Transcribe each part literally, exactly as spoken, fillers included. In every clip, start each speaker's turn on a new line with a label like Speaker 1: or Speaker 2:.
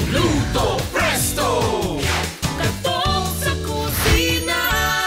Speaker 1: Luto Presto! Katok sa kusina!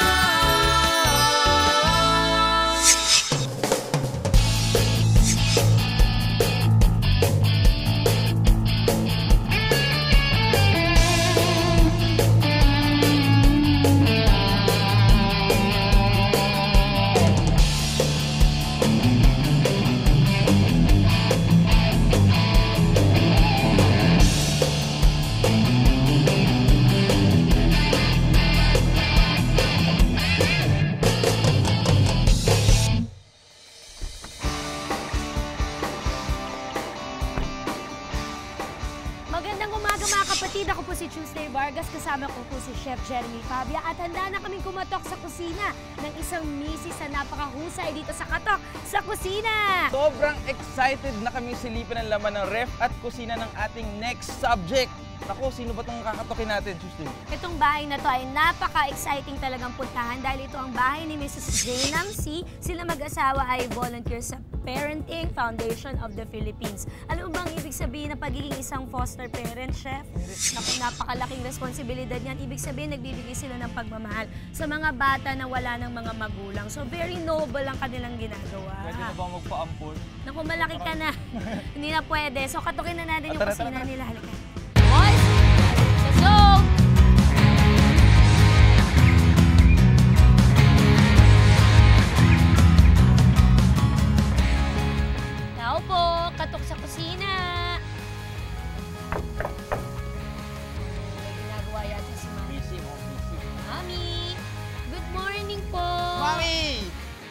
Speaker 2: Magandang umaga mga kapatid. Ako po si Tuesday Vargas. Kasama ko po si Chef Jeremy Fabia. At handa na kaming kumatok sa kusina ng isang misis na napakahusay dito sa Katok sa Kusina.
Speaker 3: Sobrang excited na kami silipin ang laman ng ref at kusina ng ating next subject. Naku, sino ba itong kakatokin natin, Tuesday?
Speaker 2: Itong bahay na to ay napaka-exciting talagang puntahan dahil ito ang bahay ni Missus Jaynam C. Sila mag-asawa ay volunteer sa Parenting Foundation of the Philippines. Alam mo bang ibig sabihin ng pagiging isang foster parent, Chef? Naku, napakalaking responsibilidad niyan. Ibig sabihin, nagbibigay sila ng pagmamahal sa mga bata na wala ng mga magulang. So, very noble ang kanilang ginagawa.
Speaker 3: Pwede na ba magpa-ampon?
Speaker 2: Naku, malaki ka na. Hindi na pwede. So, katukin na natin yung
Speaker 3: Tara,
Speaker 2: kusina
Speaker 3: tara, tara.
Speaker 2: nila. Halika. Boys! Let's go! Tao po, katok sa kusina. May ginagawa yata si Mami.
Speaker 3: Busy mo, busy.
Speaker 2: Mami! Good morning po!
Speaker 3: Mami!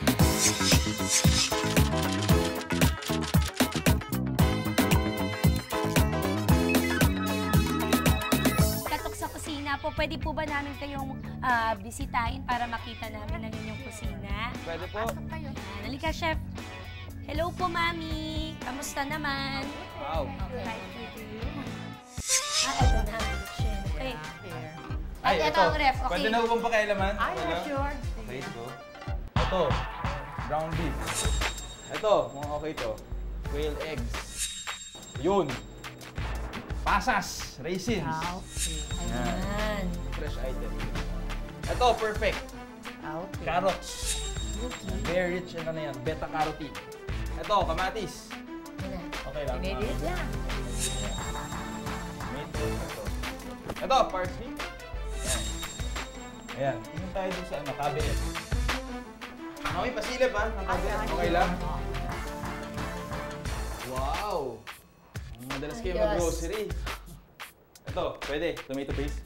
Speaker 2: Katok sa kusina po, pwede po ba namin kayong ah, bisitahin para makita namin ang inyong kusina?
Speaker 3: Pwede po.
Speaker 2: Ah, halika, Chef. Hello po, Mami. Kamusta naman?
Speaker 3: Wow.
Speaker 2: Okay. Ah, eto na. Okay. At
Speaker 3: Ay,
Speaker 2: eto ang ref. Okay.
Speaker 3: Pwede na ubang pakialaman?
Speaker 4: Ay,
Speaker 3: Wala?
Speaker 4: sure.
Speaker 3: Okay, ito. Ito, ground beef. Ito, mga okay to. Quail eggs. Yun. Pasas, raisins.
Speaker 4: Ah, okay.
Speaker 2: Ayan.
Speaker 3: Fresh item. Ito, perfect.
Speaker 4: Ah, okay.
Speaker 3: Carrots. Very rich in ano yan, beta-carotene. Ito, kamatis.
Speaker 2: Ayan na.
Speaker 3: Okay lang.
Speaker 4: Pinedit
Speaker 3: Ah,
Speaker 4: lang.
Speaker 3: Ito. Ito, parsley. Ayan. Ayan. Tingin tayo dun sa ano, cabinet. Okay, pasilip ha. Ang cabinet. Okay lang. Wow! Madalas kayo
Speaker 2: Ayos.
Speaker 3: mag-grocery. Ito, pwede. Tomato paste.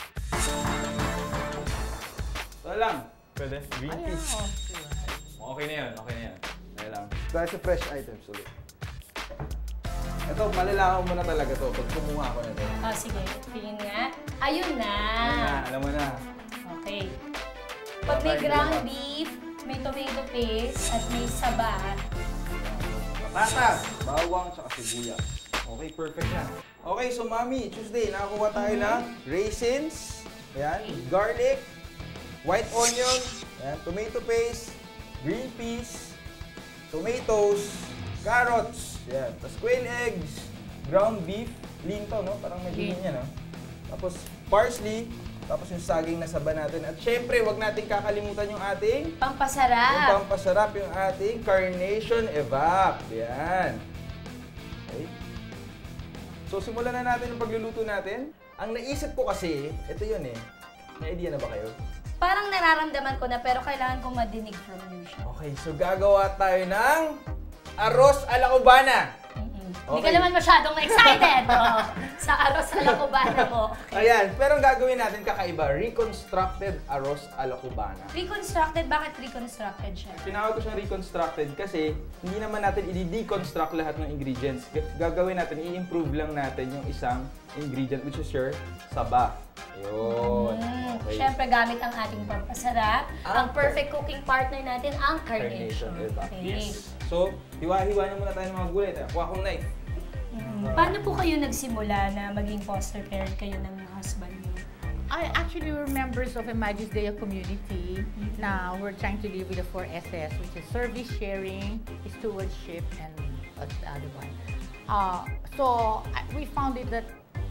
Speaker 3: Ito lang. Pwede. Green
Speaker 4: Ayan,
Speaker 3: peas.
Speaker 4: okay.
Speaker 3: Okay na yan. Okay na yan. Okay lang.
Speaker 5: Dahil sa fresh items ulit.
Speaker 3: Ito, malalaman mo na talaga to pag kumuha ko na ito.
Speaker 2: Oh, sige. Tingin nga. Ayun na.
Speaker 3: Ah, alam mo na.
Speaker 2: Okay. Pag may ground beef, may tomato paste, at may saba,
Speaker 3: Patatas, bawang, tsaka sibuyas. Okay, perfect na. Okay, so Mami, Tuesday, nakakuha tayo ng raisins, ayan, garlic, white onion, ayan, tomato paste, green peas, tomatoes, carrots, ayan, tapos quail eggs, ground beef, lean to, no? Parang medyo lean yan, no? Tapos parsley, tapos yung saging na saba natin. At syempre, wag natin kakalimutan yung ating
Speaker 2: pampasarap.
Speaker 3: yung pampasarap, yung ating Carnation Evap. Yan. Okay. So, simulan na natin yung pagluluto natin. Ang naisip ko kasi, ito yun eh. May idea na ba kayo?
Speaker 2: Parang nararamdaman ko na pero kailangan kong madinig from you siya.
Speaker 3: Okay, so gagawa tayo ng arroz a la cubana.
Speaker 2: Hindi ka
Speaker 3: Okay.
Speaker 2: naman masyadong excited oh, sa aros sa lakubana mo.
Speaker 3: Ayan, pero ang gagawin natin kakaiba, reconstructed arroz a la cubana.
Speaker 2: Reconstructed? Bakit reconstructed siya?
Speaker 3: Tinawag ko siyang reconstructed kasi hindi naman natin i-deconstruct lahat ng ingredients. G- gagawin natin, i-improve lang natin yung isang ingredient which is your saba. Ayun.
Speaker 2: Mm,
Speaker 3: Okay.
Speaker 2: Siyempre, gamit ang ating pampasarap.
Speaker 3: Ang
Speaker 2: Ang perfect cooking partner natin, ang carnation.
Speaker 3: Carnation, diba?
Speaker 2: Okay.
Speaker 3: Yes. So, hiwa-hiwa niyo muna tayo ng mga gulay. Tayo, kuha kong knife.
Speaker 2: Mm. Paano po kayo nagsimula na maging foster parent kayo ng husband niyo?
Speaker 4: I actually were members of a Magis Dea community. Now we're trying to live with the four S's, which is service sharing, stewardship, and what's the other one? Uh, so I- we found it that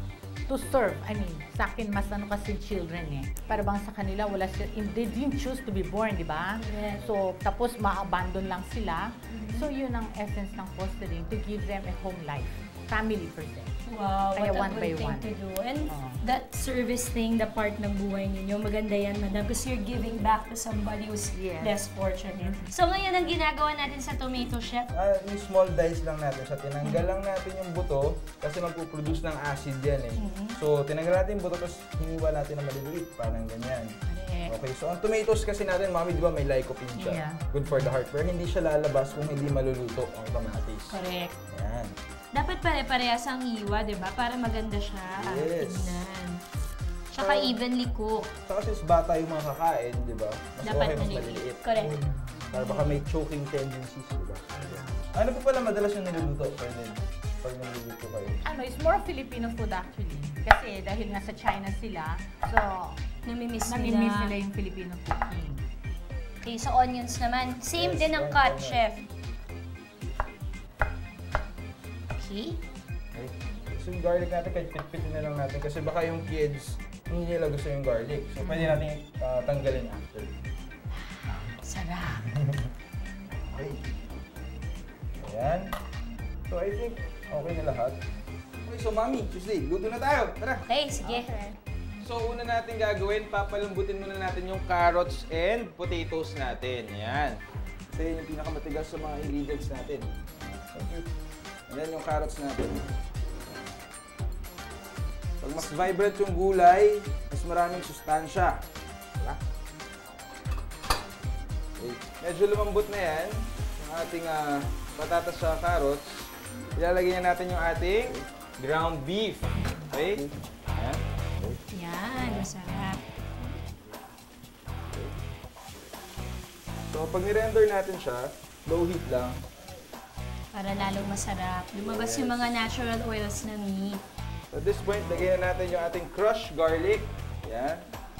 Speaker 4: to serve. I mean, sa akin, mas ano kasi children eh. Para bang sa kanila, wala sila, they didn't choose to be born, di ba?
Speaker 2: Correct.
Speaker 4: So, tapos ma-abandon lang sila. So, yun ang essence ng fostering, to give them a home life. Family per se.
Speaker 2: Wow,
Speaker 4: Kaya
Speaker 2: what
Speaker 4: one
Speaker 2: a
Speaker 4: by
Speaker 2: good thing
Speaker 4: one.
Speaker 2: to do. And
Speaker 4: Oo.
Speaker 2: that service thing, the part ng buhay ninyo, maganda yan, madam, because you're giving back to somebody who's
Speaker 4: Yes.
Speaker 2: less fortunate. So ngayon, ang ginagawa natin sa tomato chef,
Speaker 3: Ah, yung small dice lang natin siya. Tinanggal lang natin yung buto kasi magpuproduce ng acid yan eh. So, tinanggal natin yung buto tapos hiniwa natin na maliliit. Parang ganyan.
Speaker 2: Correct.
Speaker 3: Okay, so ang tomatoes kasi natin, mami, di ba may lycopene siya?
Speaker 4: Yeah.
Speaker 3: Good for the heart. Pero hindi siya lalabas kung hindi maluluto ang kamatis.
Speaker 2: correct.
Speaker 3: Ayan.
Speaker 2: Dapat pare-parehas ang hiwa, di ba? Para maganda siya ang
Speaker 3: Yes.
Speaker 2: tignan. Tsaka
Speaker 3: Ah.
Speaker 2: evenly cooked.
Speaker 3: Saka since bata yung mga kakain, di ba? Mas
Speaker 2: Dapat
Speaker 3: okay, mas
Speaker 2: maliliit.
Speaker 3: maliliit.
Speaker 2: Correct.
Speaker 3: Para baka may choking tendencies, di ba? Ano po pala madalas yung niluluto? Pwede, pag niluluto kayo.
Speaker 4: Ano, it's more Filipino food actually. Kasi dahil nga sa China sila, so
Speaker 2: Namimiss
Speaker 4: namimiss
Speaker 2: nila.
Speaker 4: nila yung Filipino cooking.
Speaker 2: Okay, so onions naman. Same
Speaker 3: Yes,
Speaker 2: din ang
Speaker 3: one
Speaker 2: cut,
Speaker 3: onion.
Speaker 2: chef. Okay.
Speaker 3: Okay. So yung garlic natin, kahit pitpitin na lang natin kasi baka yung kids, hindi nila gusto yung garlic. So pwede natin uh, tanggalin after.
Speaker 2: Sarap.
Speaker 3: Okay. Ayan. So I think okay na lahat. Okay, so mami, Tuesday, luto na tayo. Tara!
Speaker 2: Okay, sige.
Speaker 3: So una natin gagawin, papalambutin muna natin yung carrots and potatoes natin. Ayan. Kasi yun yung pinakamatigas sa mga ingredients natin. Thank you. Ayan yung carrots natin. Pag mas vibrant yung gulay, mas maraming sustansya. Diba? Okay. Medyo lumambot na yan, yung ating uh, patatas sa carrots. Ilalagay na natin yung ating ground beef. Okay? Ayan.
Speaker 2: Yan, masarap.
Speaker 3: So pag nirender natin siya, low heat lang.
Speaker 2: Para lalong masarap. Lumabas yung mga natural oils na meat.
Speaker 3: So at this point, lagyan na natin yung ating crushed garlic. Yan.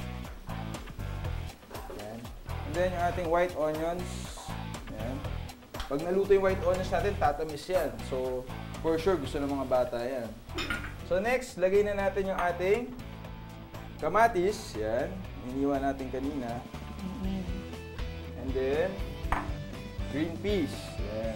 Speaker 3: Yan. And then yung ating white onions. Yan. Pag naluto yung white onions natin, tatamis yan. So for sure, gusto ng mga bata yan. So next, lagay na natin yung ating kamatis. Yan. Iniwan natin kanina.
Speaker 2: Mm-hmm.
Speaker 3: And then, green peas. Yan.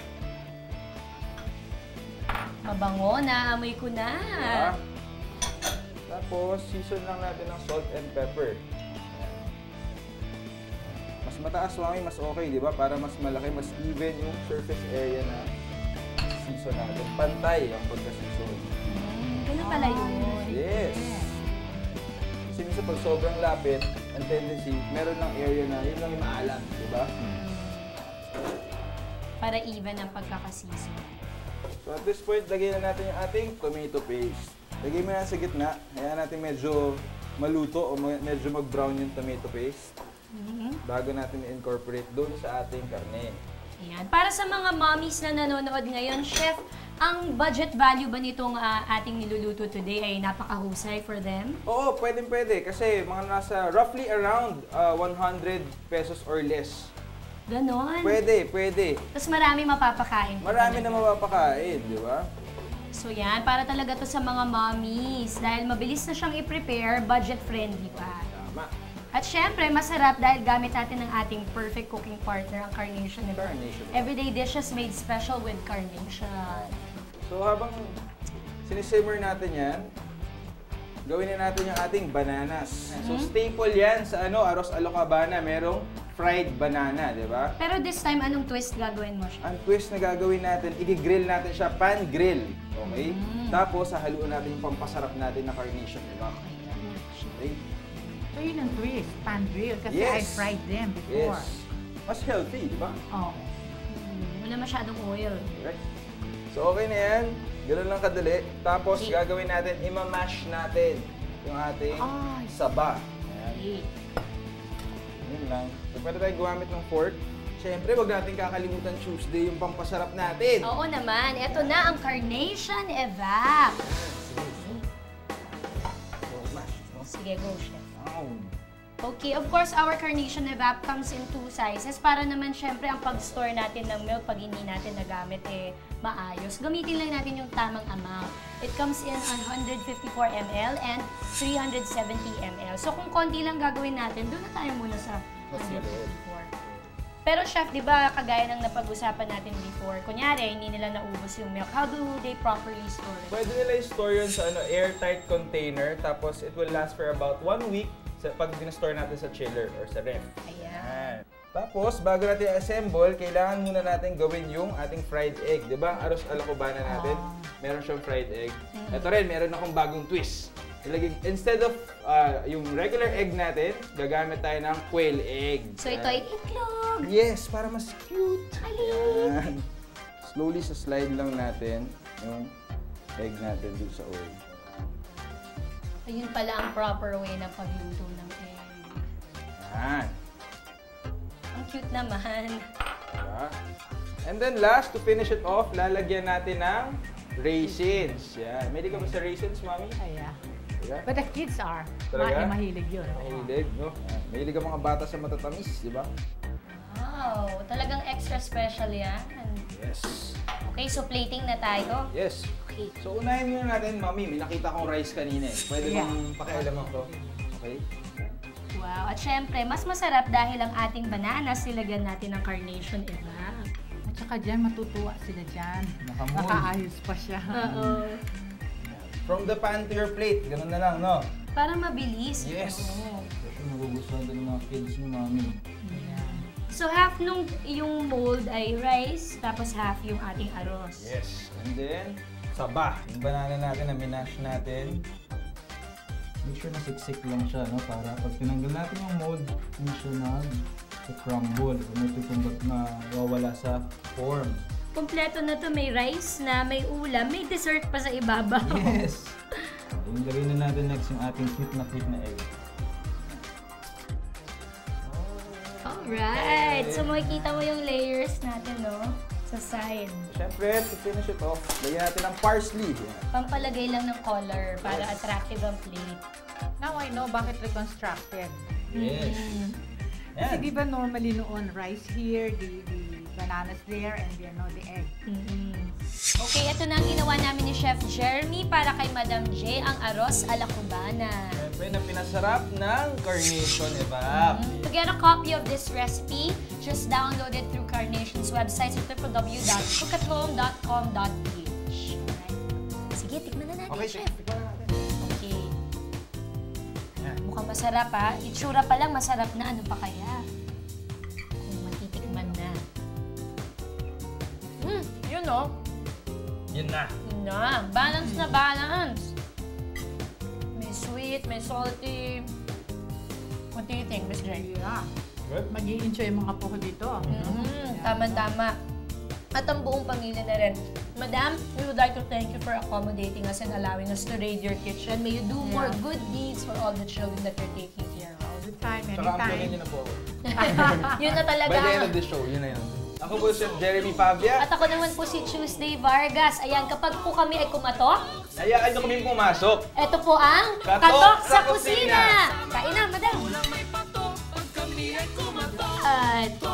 Speaker 2: Mabango na, amoy ko na.
Speaker 3: Diba? Tapos, season lang natin ng salt and pepper. Ayan. Mas mataas, mami, mas okay, di ba? Para mas malaki, mas even yung surface area na season natin. Pantay ang pagka-season.
Speaker 2: Mm, ganun pala yun.
Speaker 3: Yes! Kasi minsan pag sobrang lapit, ang tendency, meron ng area na yun lang yung maalam, di ba?
Speaker 2: Para even ang pagkakasisi.
Speaker 3: So at this point, lagyan na natin yung ating tomato paste. Lagay mo yan sa gitna. Hayaan natin medyo maluto o ma- medyo mag-brown yung tomato paste
Speaker 2: Mhm.
Speaker 3: bago natin i-incorporate doon sa ating karne.
Speaker 2: Ayan. Para sa mga mommies na nanonood ngayon, chef, ang budget value ba nitong ah, ating niluluto today ay napakahusay for them?
Speaker 3: Oo, pwedeng pwede kasi mga nasa roughly around uh, one hundred pesos or less.
Speaker 2: Ganon.
Speaker 3: Pwede, pwede.
Speaker 2: Tapos marami mapapakain. pa
Speaker 3: Marami na
Speaker 2: talaga.
Speaker 3: mapapakain, di ba?
Speaker 2: So yan, para talaga to sa mga mommies. Dahil mabilis na siyang i-prepare, budget-friendly pa.
Speaker 3: Tama.
Speaker 2: At syempre, masarap dahil gamit natin ng ating perfect cooking partner, ang Carnation. Diba?
Speaker 3: Carnation.
Speaker 2: Everyday dishes made special with Carnation.
Speaker 3: So habang sinisimmer natin yan, gawin na natin yung ating bananas. So staple yan sa ano, Arroz Alocabana, merong fried banana, di ba?
Speaker 2: Pero this time, anong twist gagawin mo siya?
Speaker 3: Ang twist na gagawin natin, i-grill natin siya, pan-grill. Okay? Tapos, hahaluan natin yung pampasarap natin na carnation, di ba? Okay?
Speaker 4: So yun ang twist, pan grill. Kasi
Speaker 3: Yes.
Speaker 4: I fried them before.
Speaker 3: Yes. Mas healthy, di ba?
Speaker 4: Oh.
Speaker 2: Hmm, wala masyadong oil.
Speaker 3: Right? So, okay na yan. Ganun lang kadali. Tapos,
Speaker 2: Okay.
Speaker 3: gagawin natin, imamash natin yung ating
Speaker 4: Ay.
Speaker 3: saba. Ayan.
Speaker 2: Okay.
Speaker 3: Yun lang. So, pwede tayong gumamit ng fork. Siyempre, wag natin kakalimutan Tuesday yung pampasarap natin.
Speaker 2: Oo naman, eto na ang Carnation Evap.
Speaker 3: So, mash. No?
Speaker 2: Sige, go, chef.
Speaker 3: Wow.
Speaker 2: Okay, of course, our carnation evap comes in two sizes para naman syempre ang pag-store natin ng milk pag hindi natin nagamit eh maayos. Gamitin lang natin yung tamang amount. It comes in one hundred fifty-four milliliters and three hundred seventy milliliters. So kung konti lang gagawin natin, doon na tayo muna sa one hundred fifty-four. Pero chef, di ba, kagaya ng napag-usapan natin before, kunyari, hindi nila naubos yung milk, how do they properly store it?
Speaker 3: Pwede nila i-store yun sa ano, airtight container, tapos it will last for about one week sa, pag dinastore natin sa chiller or sa ref.
Speaker 2: Ayan.
Speaker 3: Tapos, bago natin i-assemble, kailangan muna natin gawin yung ating fried egg. Di ba? Aros ala cubana natin, meron siyang fried egg. Ito rin, meron akong bagong twist. Ilagay, instead of uh, yung regular egg natin, gagamit tayo ng quail egg.
Speaker 2: So ito ay itlog!
Speaker 3: Yes, para mas cute.
Speaker 2: Alin!
Speaker 3: Ayan. Slowly sa slide lang natin yung egg natin dito sa oil.
Speaker 2: Ayun pala ang proper way ng pagluto ng egg.
Speaker 3: Ayan.
Speaker 2: Ang cute naman.
Speaker 3: Diba? And then last, to finish it off, lalagyan natin ng raisins. Yan. May di ka ba sa raisins, Mami?
Speaker 4: Ayan.
Speaker 3: Diba?
Speaker 4: But the kids are.
Speaker 3: Talaga?
Speaker 4: Ma mahilig yun.
Speaker 3: Mahilig, no? Yan. Mahilig ang mga bata sa matatamis, di ba?
Speaker 2: Wow, talagang extra special yan.
Speaker 3: Yes.
Speaker 2: Okay, so plating na tayo.
Speaker 3: Yes.
Speaker 2: Okay.
Speaker 3: So, unahin muna natin, Mami. May nakita kong rice kanina eh. Pwede
Speaker 4: Yeah.
Speaker 3: bang pakialaman ko? Okay?
Speaker 2: Wow, at syempre, mas masarap dahil ang ating bananas nilagyan natin ng carnation evap.
Speaker 4: At saka dyan, matutuwa sila dyan.
Speaker 3: Nakamold.
Speaker 4: Nakaayos pa siya.
Speaker 2: Oo.
Speaker 3: From the pan to your plate. Ganun na lang, no?
Speaker 2: Para mabilis.
Speaker 3: Yes.
Speaker 2: Oo.
Speaker 3: Kasi magugustuhan din ng mga kids ni Mami.
Speaker 2: So half nung yung mold ay rice, tapos half yung ating arroz.
Speaker 3: Yes. And then, saba. Yung banana natin na minash natin. Make sure na siksik lang siya, no? Para pag tinanggal natin yung mold, hindi siya nag-crumble. Kung may tutumbat na wawala sa form.
Speaker 2: Kompleto na to, may rice na, may ulam, may dessert pa sa ibabaw.
Speaker 3: Yes! Yung gawin na natin next yung ating cute na cute na egg.
Speaker 2: Alright! So makikita mo yung layers natin, no? Sa side.
Speaker 3: Siyempre, to finish it off, lagyan natin ng parsley. Yan.
Speaker 2: Pampalagay lang ng color para attractive ang plate.
Speaker 4: Now I know bakit reconstructed.
Speaker 3: Yes.
Speaker 4: Kasi
Speaker 3: Yan.
Speaker 4: di ba normally noon, rice here, the, the bananas there, and you know, the egg.
Speaker 2: Mm-hmm. Okay, ito na ang ginawa namin ni Chef Jeremy para kay Madam J, ang arroz a la cubana.
Speaker 3: Siyempre, na pinasarap ng carnation evap.
Speaker 2: To get a copy of this recipe, just download it through Carnation's website at w w w dot cook at home dot com dot p h. Alright. Sige, tikman na natin,
Speaker 3: Okay,
Speaker 2: Chef.
Speaker 3: chef. Tikman na natin.
Speaker 2: Okay.
Speaker 3: Yan.
Speaker 2: Mukhang masarap ha. Itsura pa lang masarap na. Ano pa kaya? Kung matitikman na. Hmm, yun o.
Speaker 3: Yun na.
Speaker 2: Yun na. Balance na balance. May sweet, may salty. What do you think, Miss J?
Speaker 4: Yeah.
Speaker 3: Good?
Speaker 4: Mag-i-enjoy yung mga po dito.
Speaker 2: Mm, tama-tama. At ang buong pamilya na rin. Madam, we would like to thank you for accommodating us and allowing us to raid your kitchen. May you do more
Speaker 4: Yeah.
Speaker 2: good deeds for all the children that you're taking care of.
Speaker 4: All the time,
Speaker 3: Tsaka ang
Speaker 4: anytime.
Speaker 3: niyo na po ako.
Speaker 2: Yun na talaga.
Speaker 3: By the end of the show, yun na yun. Ako po si Jeremy Pavia.
Speaker 2: At ako naman po si Tuesday Vargas. Ayan, kapag po kami ay kumatok,
Speaker 3: Hayaan niyo kami pumasok.
Speaker 2: ito po ang
Speaker 3: Katok
Speaker 2: Katok
Speaker 3: sa
Speaker 2: sa Kusina. Kain na, madam.
Speaker 1: Walang may pato pag kami ay kumato.
Speaker 2: At